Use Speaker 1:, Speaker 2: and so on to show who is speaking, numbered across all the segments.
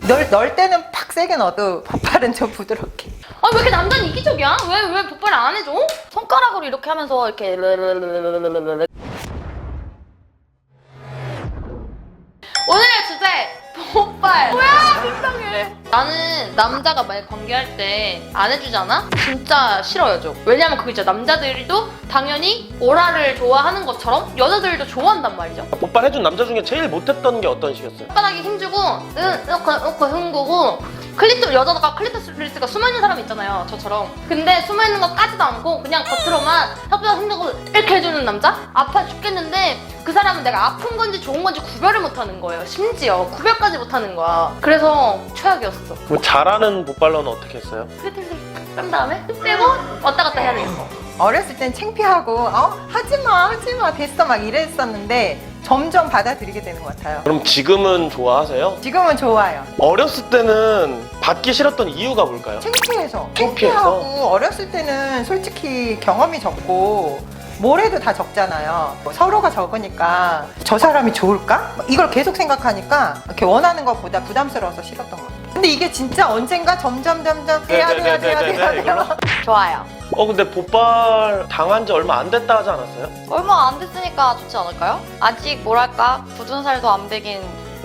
Speaker 1: 넣을 때는 팍 세게 넣어도 복발은 좀 부드럽게.
Speaker 2: 아, 왜 이렇게 남자는 이기적이야? 왜 복발을 안 해줘? 손가락으로 이렇게 하면서 이렇게 오늘의 주제 복발. 뭐야, 불쌍해. 나는 남자가 만약 관계할 때 안 해주잖아? 진짜 싫어요, 좀. 왜냐면 그게 진짜 남자들도 당연히 오라를 좋아하는 것처럼 여자들도 좋아한단 말이죠.
Speaker 3: 복발해준 남자 중에 제일 못했던 게 어떤 식이었어요?
Speaker 2: 혓바닥에 힘주고 이렇게 흥구고 여자가 클리토리스가 숨어있는 사람 있잖아요, 저처럼. 근데 숨어있는 거 까지도 않고 그냥 겉으로만 혓바닥 힘주고 이렇게 해주는 남자? 아파 죽겠는데 그 사람은 내가 아픈 건지 좋은 건지 구별을 못하는 거예요. 심지어 구별까지 못하는 거야. 그래서 최악이었어.
Speaker 3: 그럼 잘하는 복발러는 어떻게 했어요?
Speaker 2: 클리토리스 딱 다음에 빼고 왔다 갔다 해야 되겠어.
Speaker 1: 어렸을 땐 창피하고 하지마 됐어 막 이랬었는데 점점 받아들이게 되는 것 같아요.
Speaker 3: 그럼 지금은 좋아하세요?
Speaker 1: 지금은 좋아요.
Speaker 3: 어렸을 때는 받기 싫었던 이유가 뭘까요?
Speaker 1: 창피해서.
Speaker 3: 창피해서?
Speaker 1: 창피하고 어렸을 때는 솔직히 경험이 적고 뭘 해도 다 적잖아요. 서로가 적으니까 저 사람이 좋을까? 이걸 계속 생각하니까 이렇게 원하는 것보다 부담스러워서 싫었던 것 같아요. 근데 이게 진짜 언젠가 점점 해야 돼요.
Speaker 2: 좋아요.
Speaker 3: 근데 복발 당한 지 얼마 안 됐다 하지 않았어요?
Speaker 4: 얼마 안 됐으니까 좋지 않을까요? 아직 뭐랄까 굳은 살도 안 배긴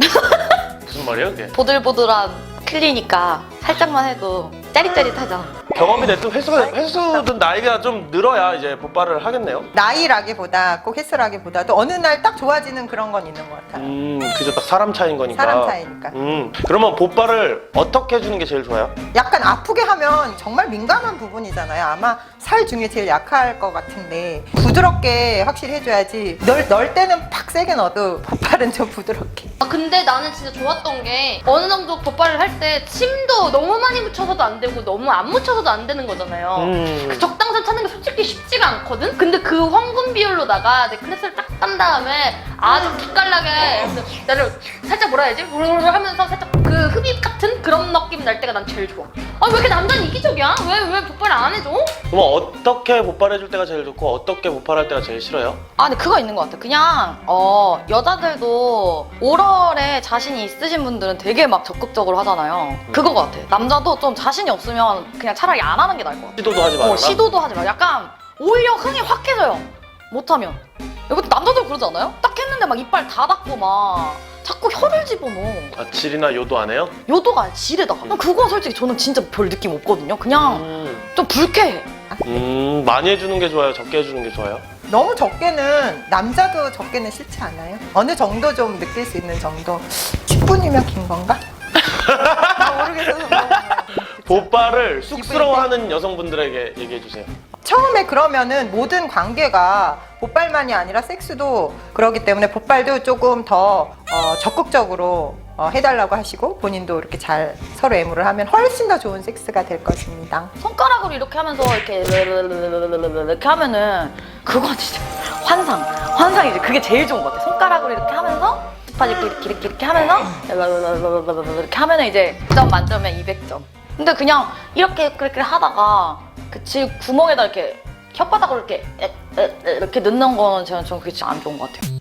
Speaker 3: 무슨 말이에요 그게?
Speaker 4: 보들보들한 클리니까 살짝만 해도 짜릿짜릿하잖아.
Speaker 3: 경험이 됐든 횟수든 나이가 좀 늘어야 이제 복발을 하겠네요.
Speaker 1: 나이라기보다 꼭 횟수라기보다도 어느 날 딱 좋아지는 그런 건 있는 것 같아요.
Speaker 3: 그저 딱 사람 차이인 거니까.
Speaker 1: 사람 차이니까.
Speaker 3: 그러면 복발을 어떻게 해주는 게 제일 좋아요?
Speaker 1: 약간 아프게 하면 정말 민감한 부분이잖아요. 아마 살 중에 제일 약할 것 같은데 부드럽게 확실히 해줘야지. 넣을 때는 팍 세게 넣어도 복발은 좀 부드럽게.
Speaker 2: 근데 나는 진짜 좋았던 게 어느 정도 복발을 할 때 침도 너무 많이 묻혀서도 안 되고 너무 안 묻혀서도 안 되는 거잖아요. 그 적당선 찾는 게 솔직히 쉽지가 않거든? 근데 그 황금 비율로다가 내 클래스를 딱 딴 다음에 아주 기깔나게 나를 살짝 뭐라 해야지? 우르르 하면서 살짝 그 흡입 같은 그런 느낌 날 때가 난 제일 좋아. 왜 이렇게 남자는 이기적이야? 왜 복발을 안 해줘?
Speaker 3: 그럼 어떻게 복발해줄 때가 제일 좋고 어떻게 복발할 때가 제일 싫어요?
Speaker 4: 근데 그거 있는 것 같아. 그냥 여자들도 오럴에 자신이 있으신 분들은 되게 막 적극적으로 하잖아요. 그거 같아. 남자도 좀 자신이 없으면 그냥 차라리 안 하는 게 나을 것 같아.
Speaker 3: 시도도 하지 말아라.
Speaker 4: 시도도 하지 마. 약간 오히려 흥이 확 해져요. 못하면. 이것도 남자들 그러지 않아요? 딱 했는데 막 이빨 다 닫고 막 자꾸 혀를 집어넣어.
Speaker 3: 질이나 요도 안 해요?
Speaker 4: 요도가 아니라 지레다. 그건 솔직히 저는 진짜 별 느낌 없거든요. 그냥 좀 불쾌해.
Speaker 3: 많이 해주는 게 좋아요? 적게 해주는 게 좋아요?
Speaker 1: 너무 적게는 남자도 적게는 싫지 않아요? 어느 정도 좀 느낄 수 있는 정도. 10분이면 긴 건가? 모르겠어서
Speaker 3: 복발을 쑥스러워하는 여성분들에게 얘기해주세요.
Speaker 1: 처음에 그러면은 모든 관계가 복발만이 아니라 섹스도 그러기 때문에 복발도 조금 더 적극적으로 해달라고 하시고 본인도 이렇게 잘 서로 애무를 하면 훨씬 더 좋은 섹스가 될 것입니다.
Speaker 4: 손가락으로 이렇게 하면서 이렇게 하면은 그건 진짜 환상이지. 그게 제일 좋은 것 같아. 손가락으로 이렇게 하면서 스파지 이렇게 하면서 이렇게 하면은 이제 100점 만점에 200점. 근데 그냥 그렇게 하다가 그 질 구멍에다 이렇게 혓바닥으로 이렇게 넣는 거는 저는 그게 진짜 안 좋은 것 같아요.